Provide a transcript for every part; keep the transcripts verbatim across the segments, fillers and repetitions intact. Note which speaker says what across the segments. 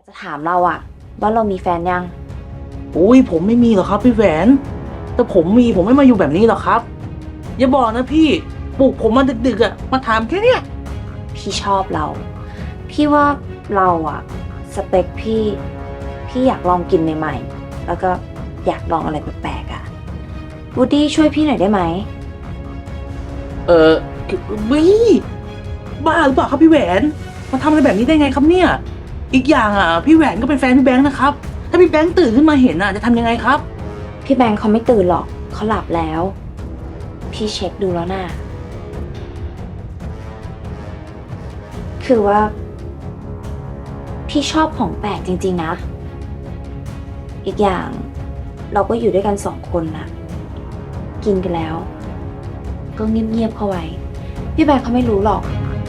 Speaker 1: จะถามเราอะว่าเรามีแฟนยัง
Speaker 2: อุ้ยผมไม่มีหรอกครับพี่แหวนแต่ผมมีผมไม่มาอยู่แบบนี้หรอกครับอย่าบอกนะพี่ปลุกผมมาดึกๆอ่ะมาถามแค่เนี้ย
Speaker 1: พี่ชอบเรา พี่ว่าเราอะสเปคพี่พี่อยากลองกินใหม่ๆแล้วก็อยากลองอะไรแปลกๆอะวูดดี้ช่วยพี่หน่อยได้ไหม
Speaker 2: เออวิบ้าหรือเปล่าครับพี่แหวนมาทำอะไรแบบนี้ได้ไงครับเนี่ยอีกอย่างอ่ะพี่แหวนก็เป็นแฟนพี่แบงค์นะครับถ้าพี่แบงค์ตื่นขึ้นมาเห็นอ่ะจะทำยังไงครับ
Speaker 1: พี่แบงค์เขาไม่ตื่นหรอกเขาหลับแล้ว พี่เช็คดูแล้วน่ะคือว่า พี่ชอบของแปลกจริงๆนะ อีกอย่างเราก็อยู่ด้วยกันสองคนนะกินกันแล้ว ก็เงียบๆเข้าไว้ พี่แบงค์เขาไม่รู้หรอก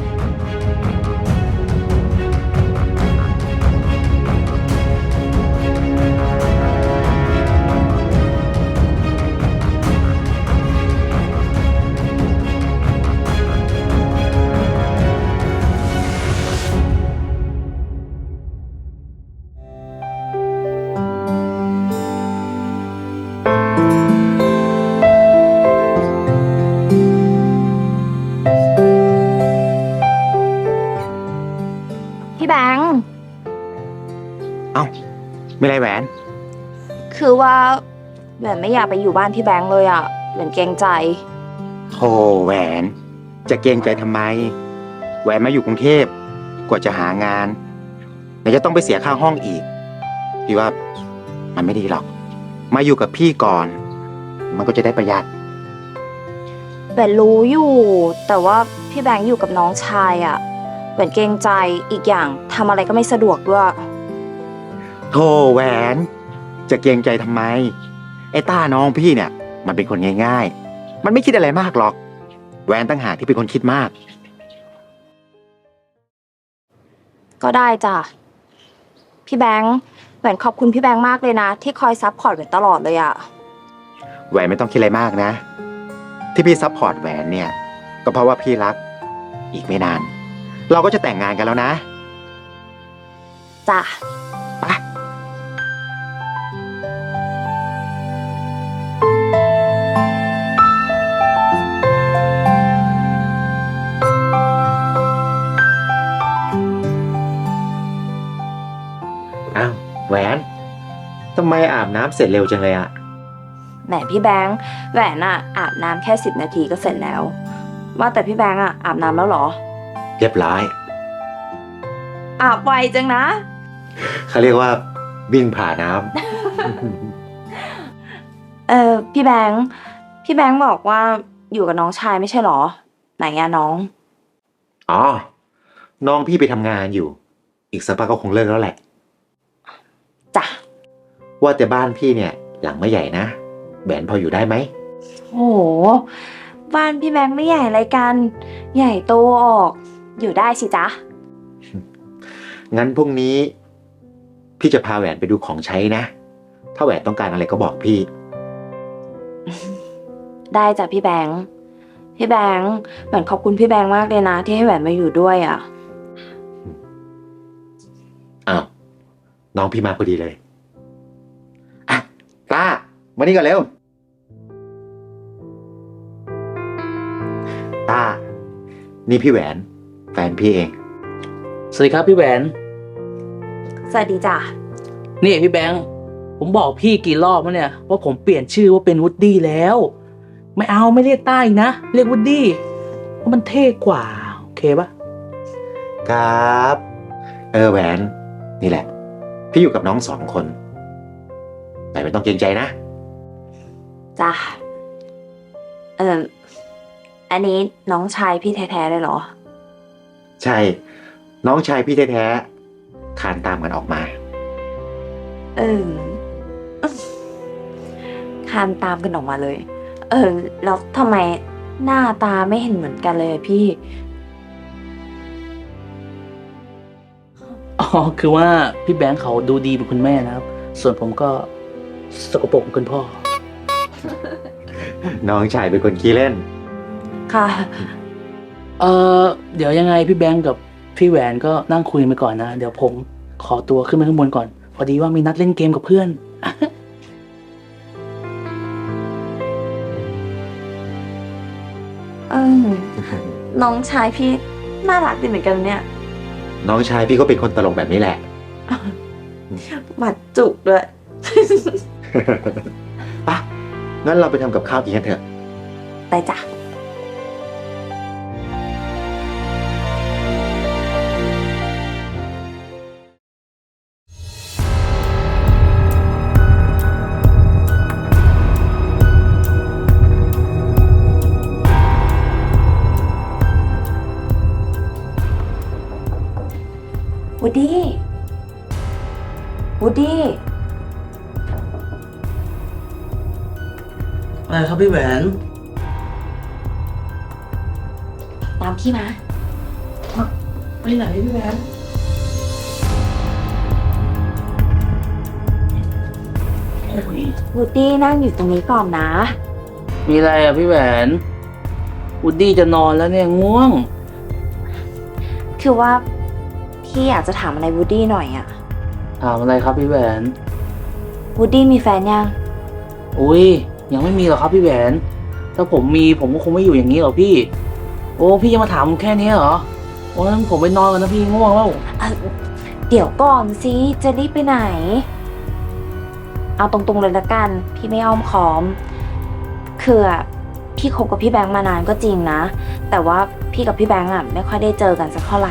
Speaker 1: พี่แบงค์
Speaker 3: เอ้าไม่ไรแหวน
Speaker 1: คือว่าแหวนไม่อยากไปอยู่บ้านพี่แบงค์เลยอะแหวนเกรงใจ
Speaker 3: โธ่แหวน จะเกรงใจทำไม แหวนมาอยู่กรุงเทพกว่าจะหางานไหนจะต้องไปเสียค่าห้องอีก พี่ว่ามันไม่ดีหรอก มาอยู่กับพี่ก่อน มันก็จะได้ประหยัด
Speaker 1: แหวนรู้อยู่ แต่ว่าพี่แบงค์อยู่กับน้องชายอะแหวนเกรงใจอีกอย่างทำอะไรก็ไม่สะดวกด้วย
Speaker 3: โธ่แหวน จะเกรงใจทำไม ไอ้ต้าน้องพี่เนี่ย มันเป็นคนง่ายๆ มันไม่คิดอะไรมากหรอก แหวนตั้งหากที่เป็นคนคิดมาก
Speaker 1: ก็ได้จ้ะพี่แบงค์แหวนขอบคุณพี่แบงค์มากเลยนะ ที่คอยซัพพอร์ตแหวนตลอดเลยอะ
Speaker 3: แหวนไม่ต้องคิดอะไรมากนะ ที่พี่ซัพพอร์ตแหวนเนี่ย ก็เพราะว่าพี่รัก อีกไม่นาน เราก็จะแต่งงานกันแล้วนะ
Speaker 1: จ้ะ
Speaker 3: ไป อ้าวแหวนทำไมอาบน้ำเสร็จเร็วจังเลยอะ
Speaker 1: แหมพี่แบงค์แหวนอะอาบน้ำแค่สิบนาทีก็เสร็จแล้ว ว่าแต่พี่แบงค์อะอาบน้ำแล้วเหรอ
Speaker 3: เรียบร้อย
Speaker 1: อาบไวจังนะ
Speaker 3: เขาเรียกว่าวิ่งผ่าน้
Speaker 1: เออพี่แบงค์พี่แบงค์บอกว่าอยู่กับน้องชายไม่ใช่เหรอ ไหนอะน้อง
Speaker 3: ำ อ๋อ น้องพี่ไปทำงานอยู่ อีกสักพักก็คงเลิกแล้วแหละ
Speaker 1: จ้ะ
Speaker 3: ว่าแต่บ้านพี่เนี่ย หลังไม่ใหญ่นะแหวนพออยู่ได้ไหม
Speaker 1: โอ้โหบ้านพี่แบงค์ไม่ใหญ่อะไรกัน ใหญ่โตออก อยู่ได้สิจ๊ะ
Speaker 3: งั้นพรุ่งนี้ พี่จะพาแหวนไปดูของใช้นะ ถ้าแหวนต้องการอะไรก็บอกพี่
Speaker 1: ได้จ้ะพี่แบงค์พี่แบงค์แหวนขอบคุณพี่แบงค์มากเลยนะ ที่ให้แหวนมาอยู่ด้วยอะ
Speaker 3: อ้าว น้องพี่มาพอดีเลย อ่ะตามานี่ก่อนเร็วตานี่พี่แหวน แฟนพี่เอง
Speaker 2: สวัสดีครับพี่แหวน
Speaker 1: สวัสดีจ้ะ
Speaker 2: นี่พี่แบงค์ผมบอกพี่กี่รอบแล้วเนี่ยว่าผมเปลี่ยนชื่อว่าเป็นวูดดี้แล้ว ไม่เอาไม่เรียกต้าอีกนะเรียกวูดดี้เพราะมันเท่กว่าโอเคปะ
Speaker 3: ครับ เออแหวน นี่แหละ พี่อยู่กับน้องสองคน แต่ไม่ต้องเกรงใจนะ
Speaker 1: จ้ะเอออันนี้น้องชายพี่แท้ๆเลยเหรอ
Speaker 3: ใช่ น้องชายพี่แท้ๆคานตามกันออกมา
Speaker 1: เออคานตามกันออกมาเลย เออ แล้วทำไมหน้าตาไม่เห็นเหมือนกันเลยอะพี่
Speaker 2: อ๋อคือว่าพี่แบงค์เขาดูดีเป็นคุณแม่นะครับ ส่วนผมก็สกปรกเป็นคุณพ่อ
Speaker 3: น้องชายเป็นคนขี้เล่น
Speaker 1: ค่ะ
Speaker 2: เออเดี๋ยวยังไงพี่แบงค์กับพี่แหวนก็นั่งคุยไปก่อนนะ เดี๋ยวผมขอตัวขึ้นไปข้างบนก่อน พอดีว่ามีนัดเล่นเกมกับเพื่อน
Speaker 1: เออน้องชายพี่น่ารักดีเหมือนกันเนี่ย
Speaker 3: น้องชายพี่ก็เป็นคนตลกแบบนี้แหละ
Speaker 1: หมัดจุกด้วย
Speaker 3: ปะงั้นเราไปทำกับข้าวกินกันเถอะ
Speaker 1: ไปจ้ะ วูดดี้ วูดดี้
Speaker 2: อะไรครับพี่แหวน
Speaker 1: ตามพี่มา
Speaker 2: ไปไหนพี่แหวน
Speaker 1: วูดดี้นั่งอยู่ตรงนี้ก่อนนะ
Speaker 2: มีอะไรอ่ะพี่แหวนวูดดี้จะนอนแล้วเนี่ยง่วง
Speaker 1: คือว่าพี่อยากจะถามอะไรวูดดี้หน่อยอะ
Speaker 2: ถามอะไรครับพี่แหวน
Speaker 1: วูดดี้มีแฟนยัง
Speaker 2: อุ้ยยังไม่มีหรอกครับพี่แหวน ถ้าผมมีผมก็คงไม่อยู่อย่างนี้หรอกพี่ โอ้พี่ยังมาถามผมแค่นี้เหรอ โอ้งั้นผมไปนอนกันนะพี่ง่วงแล้ว
Speaker 1: อ่ะเดี๋ยวก่อนสิจะรีบไปไหน เอาตรงๆเลยละกัน พี่ไม่อ้อมค้อม คืออะพี่คบกับพี่แบงค์มานานก็จริงนะ แต่ว่าพี่กับพี่แบงค์อะไม่ค่อยได้เจอกันสักเท่าไหร่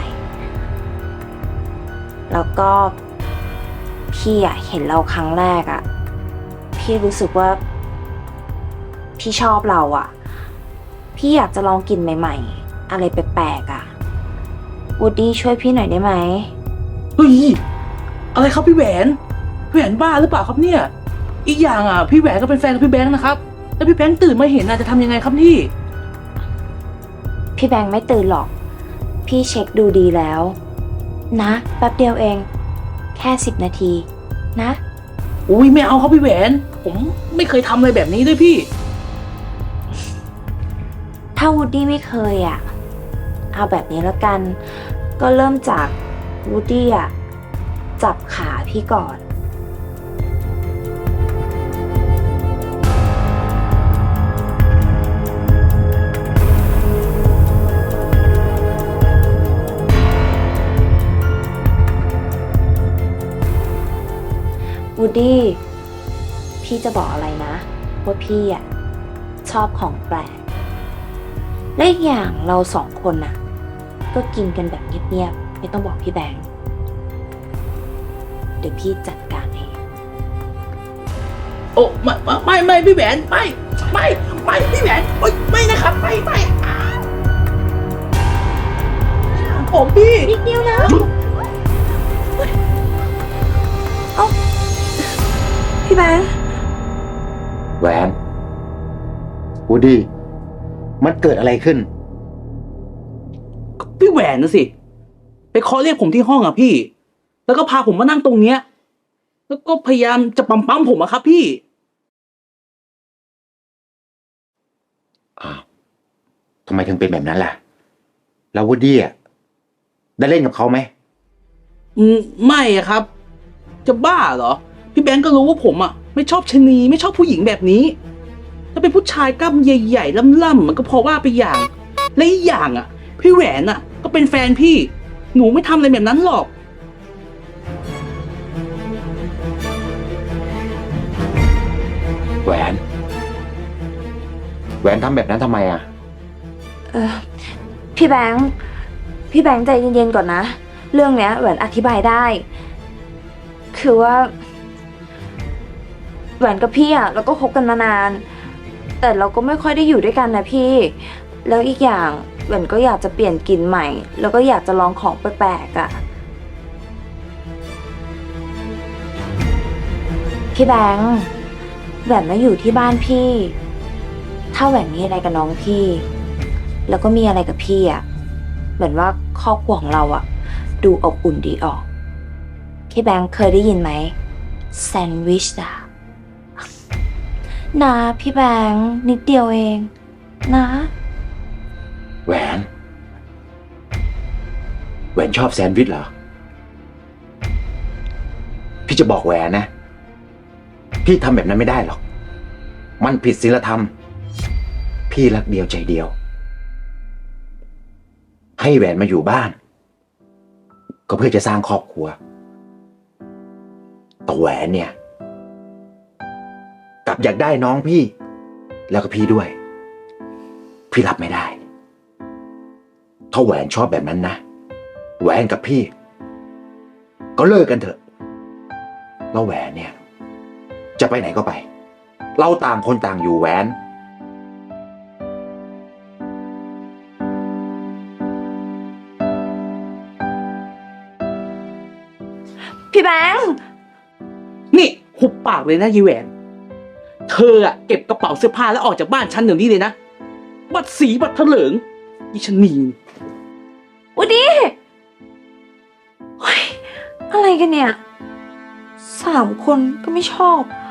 Speaker 1: แล้วก็พี่อะเห็นเราครั้งแรกอะพี่รู้สึกว่า พี่ชอบเราอะพี่อยากจะลองกินใหม่ๆ อะไรแปลกๆอะวูดดี้ช่วยพี่หน่อยได้ไหม
Speaker 2: เฮ้ยอะไรครับพี่แหวนพี่แหวนบ้าหรือเปล่าครับเนี่ย อีกอย่างอ่ะพี่แหวนก็เป็นแฟนกับพี่แบงค์นะครับแล้วพี่แบงค์ตื่นมาเห็นน่ะจะทำยังไงครับพี่
Speaker 1: พี่แบงค์ไม่ตื่นหรอก พี่เช็คดูดีแล้ว นะแป๊บเดียวเอง แค่สิบนาที นะ
Speaker 2: อุ้ยไม่เอาครับพี่แหวน ผมไม่เคยทำอะไรแบบนี้ด้วยพี่
Speaker 1: ถ้าวูดดี้ไม่เคยอ่ะ เอาแบบนี้แล้วกัน ก็เริ่มจากวูดดี้อ่ะ จับขาพี่ก่อน วูดดี้ พี่จะบอกอะไรนะ ว่าพี่อ่ะ ชอบของแปลก และอีกอย่างเราสองคนน่ะ ก็กินกันแบบเงียบๆ ไม่ต้องบอกพี่แบงค์ เดี๋ยวพี่จัดการเอง
Speaker 2: โอ้ไม่ไม่ไม่พี่แหวนไม่ไม่ไม่พี่แหวนโอ๊ยไม่นะครับไม่ไม่อ้าวผมพี่
Speaker 1: นิดเดียวนะ เอ้า พี่แบงค์
Speaker 3: แหวนวูดดี้ มันเกิดอะไรขึ้น
Speaker 2: พี่แหวนนะสิไปเคาะเรียกผมที่ห้องอ่ะพี่ แล้วก็พาผมมานั่งตรงเนี้ย แล้วก็พยายามจะปั๊มปั๊มผมอะครับพี่
Speaker 3: อ้าวทำไมถึงเป็นแบบนั้นล่ะ แล้ววูดดี้อ่ะได้เล่นกับเขาไหม
Speaker 2: อืมไม่อะครับ จะบ้าเหรอ พี่แบงก์ก็รู้ว่าผมอะไม่ชอบชะนีไม่ชอบผู้หญิงแบบนี้ ถ้าเป็นผู้ชายกล้ามใหญ่ๆล่ำๆมันก็พอว่าไปอย่าง และอีกอย่างอะพี่แหวนอะก็เป็นแฟนพี่ หนูไม่ทำอะไรแบบนั้นหรอก
Speaker 3: แหวน แหวนทำแบบนั้นทำไมอ่ะ
Speaker 1: เออพี่แบงค์ พี่แบงค์ใจเย็นๆก่อนนะ เรื่องเนี้ยแหวนอธิบายได้ คือว่า แหวนกับพี่อ่ะเราก็คบกันมานาน แต่เราก็ไม่ค่อยได้อยู่ด้วยกันนะพี่ แล้วอีกอย่างแหวนก็อยากจะเปลี่ยนกลิ่นใหม่ แล้วก็อยากจะลองของแปลกๆอ่ะ พี่แบงค์แหวนมาอยู่ที่บ้านพี่ ถ้าแหวนมีอะไรกับน้องพี่ แล้วก็มีอะไรกับพี่อ่ะเหมือนว่าครอบครัวของเราอ่ะ ดูอบอุ่นดีออก พี่แบงค์เคยได้ยินไหมแซนด์วิชอะนะพี่แบงค์นิดเดียวเอง นะ
Speaker 3: แหวน แหวนชอบแซนด์วิชเหรอจะบอกแหวนนะ พี่ทำแบบนั้นไม่ได้หรอก มันผิดศีลธรรม พี่รักเดียวใจเดียว ให้แหวนมาอยู่บ้าน ก็เพื่อจะสร้างครอบครัวแต่แหวนเนี่ยกลับอยากได้น้องพี่ แล้วก็พี่ด้วย พี่รับไม่ได้ ถ้าแหวนชอบแบบนั้นนะแหวนกับพี่ ก็เลิกกันเถอะแล้วแหวนเนี่ย จะไปไหนก็ไป เราต่างคนต่างอยู่แหวน
Speaker 1: พี่แบงค์
Speaker 2: นี่หุบปากเลยนะยีแหวน เธออะเก็บกระเป๋าเสื้อผ้าแล้วออกจากบ้านฉันเดี๋ยวนี้เลยนะ บัดสีบัดเถลิงอีชะนี
Speaker 1: อุดีเฮ้ยอะไรกันเนี่ย สามคนก็ไม่ชอบ